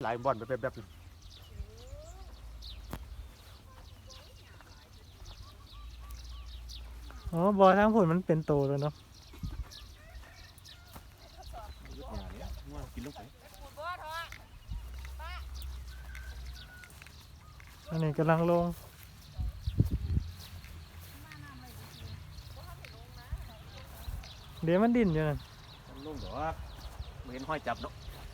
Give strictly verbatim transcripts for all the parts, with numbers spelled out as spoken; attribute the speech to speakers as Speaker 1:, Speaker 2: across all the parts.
Speaker 1: ลายบ่อนแบบแบบ
Speaker 2: อ๋อบ่อทางผุนมันเป็นโตแล้วเนาะอันนี้กำลังลงเดี๋ยวมันดิ้นอยู่นั่น
Speaker 1: ลงดอกไม่เห็นห้อยจับเนาะ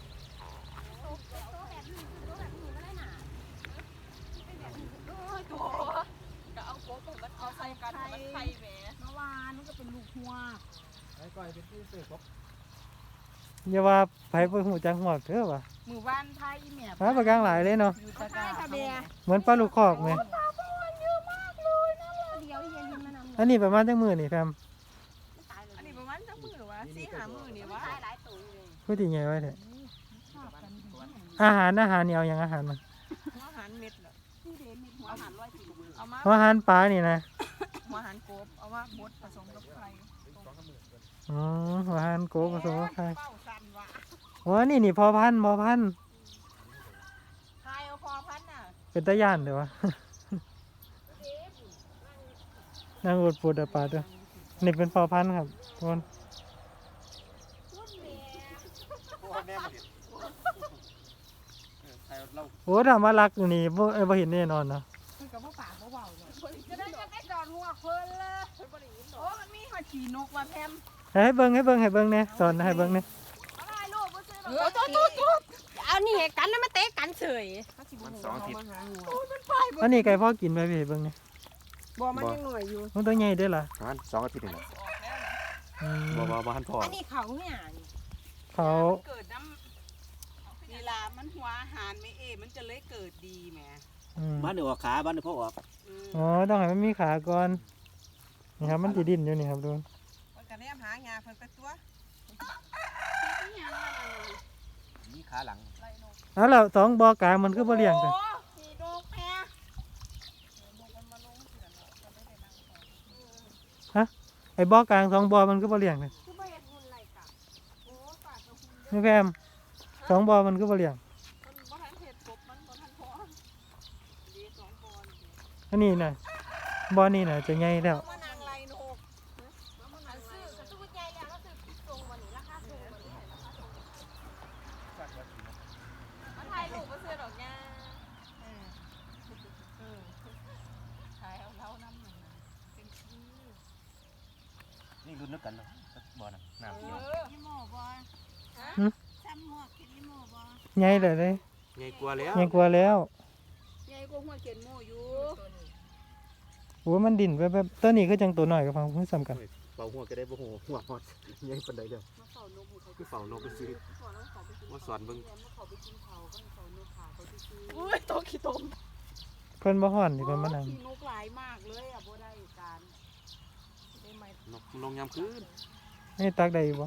Speaker 3: เอาใส่กันมันไข่แหมเมื่อวานมันก็เป็นลูกหัวไอ้ก้อยเป็นที่เสือครบ
Speaker 2: อย่าว่าไผไปหูจังหอกเถอะว่ะ
Speaker 3: หมู่บ้านไทยแม่
Speaker 2: หาปลากลางหลายเลยเนาะ
Speaker 3: อยู่ตะกร้าทะเบีย
Speaker 2: เหมือนปลาลูกคอกไหม
Speaker 3: เยอะมากเลยนะเดี๋ยวเย็นมานำ
Speaker 2: อันนี้ประมาณจังมือนี่แฟม
Speaker 3: อันนี้ประมาณจักมือวะสี่หามือนี่วะหลายตัวเลย
Speaker 2: พูดยังไงไว้เถอะอาหารอาหารนี่เอาอย่างอาหารมัน
Speaker 3: หัวหันเม็ดเหรอที่เดนมีหัวหันร้อยกิโลเอามา
Speaker 2: อาหารปลานี่นะ
Speaker 3: หัวหันกบเอามาบดผสมกับไข่
Speaker 2: อ๋ออาหารโกผสมกับไข่
Speaker 3: เป้าสั่นวะ
Speaker 2: โอ้นี่นี่พอพันธุ์พอพันธุ์
Speaker 3: ไข่เอาพอพันน่ะ
Speaker 2: เป็นตะย่านเดี๋ยววะ นางอุดปูดปลาด้วยนี่เป็นพอพันธุ์ครับทุกคนโอ้ถามว่ารักอยู่นี่บ่เอ้ยบ่เห็นแน่นอนเนาะ
Speaker 3: คือกับว่าปากเบาๆเลยจะได้จะไม่จอดหัวเพลินเลยโอ้มันมีหัวขี่นกว่ะแพม
Speaker 2: ให้เบิ่งให้เบิ่งให้เบิ่งเนี่ยสอนให้เบิ่งเนี่ย
Speaker 3: อะไรลูกมาซื้อเออตุ๊ดตุ๊ดตุ๊ดเอานี่กันแล้วมาเตะกันเฉย
Speaker 1: มันสองอาทิตย์
Speaker 2: อันนี้ไก่พ่อกินไปพี่เบิ่งเนี่ย
Speaker 3: บ่มันยังหน่วยอยู่
Speaker 2: มันตัวใหญ่เด้อล่ะ
Speaker 1: ประมาณสองอาทิตย์นี่แหละ
Speaker 2: อืม
Speaker 1: บ่บ่บ่หันพอ
Speaker 3: อันนี้เขาเนี่ย
Speaker 2: เขา
Speaker 4: เกิดน้ำเวลามันหัวอาหารไม่เอมันจะเลยเกิดดีแหม
Speaker 2: อืม
Speaker 1: บ้านเดี๋ยวออกขาบ้านเดี๋ยวพ่อออก
Speaker 4: อืม
Speaker 2: อ๋อต้องให้มันมีขาก่อนนี่ครับมันสิดิ้นอยู่นี่ครับดู
Speaker 4: มันก็แนมหางาเพิ่นไปตัว
Speaker 1: มีขาหลัง
Speaker 2: เอาแล้วสองบ่อกลางมันคือบ่เลี้ยงกัน
Speaker 3: โอ้ขี่นกแพ
Speaker 2: ไอ้บ่อกลางสองบ่อมันคือบ่เลี้ยงกัน
Speaker 3: คือบ่เห็นหุ่นไรกะโอ้ปากกับหุ่น
Speaker 2: นี่แพมสองบ่อมันคือบ่เลี้ยง
Speaker 3: มันบ่ทันเห็ดกบมันบ่ทันพอดีสองปอน
Speaker 2: อันนี้น่ะบ่อนี่น่ะจะใหญ่แล้ว
Speaker 3: มานางไรนกมันนางซื้อกระตุ้นใหญ่แล้วก็ซื้อตรงวันนี้ราคาสูงวันนี้ราคาสูงมันถ่ายรูปมาซื้อดอกยาเออเออถ่ายเอาเล่าน้ำหนึ่งเป็นชื่อ
Speaker 1: นี่รุ่นนึกกันเนาะบ่อน่ะน้ำเดียว
Speaker 4: อีโม่บ่ซ้ำหมวกคิดอีโม่บ่
Speaker 2: ใหญ่เลยเลย
Speaker 1: ใหญ่กว่าแล้ว
Speaker 2: ใหญ่กว่าแล้ว
Speaker 4: ใหญ่กว่าหัวเขียนโม่อยู่
Speaker 2: โอ้มันดิ่นไปแบบตัวนี้คือจังตัวน้อยกับฟังเพิ่งซ้ำกัน
Speaker 1: เป่าหัวก็ได้บ่หัวหัวฮอดใหญ่ปานใดเด้อ
Speaker 4: มาเฝ้านกเขา
Speaker 1: คือเฝ้านกไปซื้อ
Speaker 4: ก่อนแล้วเขาไปกิน
Speaker 1: ว่าสอนเบิ่ง
Speaker 4: มาเขาไปกินเขาก็เฝ้านกขาเขาที่ซื้อ
Speaker 3: อุ้ยโตขี้ตม
Speaker 2: เพิ่นบ่ฮ้อนนี่เพิ่นมานั่ง
Speaker 4: ขี่นกหลายมากเลยอ่ะบ่ได้การได้ไหม
Speaker 1: นกลงยามคืน
Speaker 2: นี่ตักได้อยู่บ่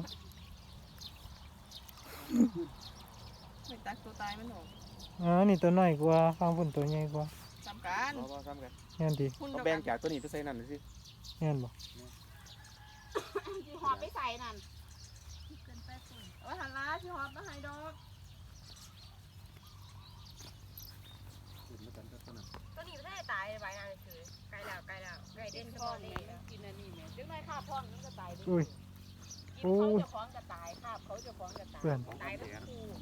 Speaker 3: ไม่ตักตัวตายมันหรอก
Speaker 2: อ๋อนี่ตัวน้อยกว่าฟังพุ่นตัวใหญ่กว่า
Speaker 3: สำคัญ
Speaker 1: บ่บ่ซ้ำกัน
Speaker 2: แม่นติ
Speaker 3: หุ่น
Speaker 1: เอา
Speaker 3: เดียว
Speaker 1: แบ่
Speaker 3: กั
Speaker 1: ง
Speaker 3: น
Speaker 1: จากตัวนี้ไปใส่นั่นสิ
Speaker 2: แม่นบ่
Speaker 3: ที่หอบไปใส่นั่นโอ้ยหันล้าที่หอบมาให้ดอก
Speaker 1: รุ่นนึกกันก็ตัวนั้น
Speaker 3: ตัวนี้ไม่ได้ตายใบนั่นคือไกลแล้วไกลแล้วไกลเด่น
Speaker 4: พ่
Speaker 3: พ่
Speaker 4: อ
Speaker 3: อ
Speaker 4: นี่
Speaker 3: นี่
Speaker 4: กินอันนี้แม่
Speaker 3: จึงไม่ข้าพ่องมันก็ตายด้วย
Speaker 2: อุ้ย
Speaker 3: กินเขาจะฟ้องก็ตายข้าเขาจะฟ้องก็ตาย
Speaker 2: เพื่อน
Speaker 3: ตายเป็นคู่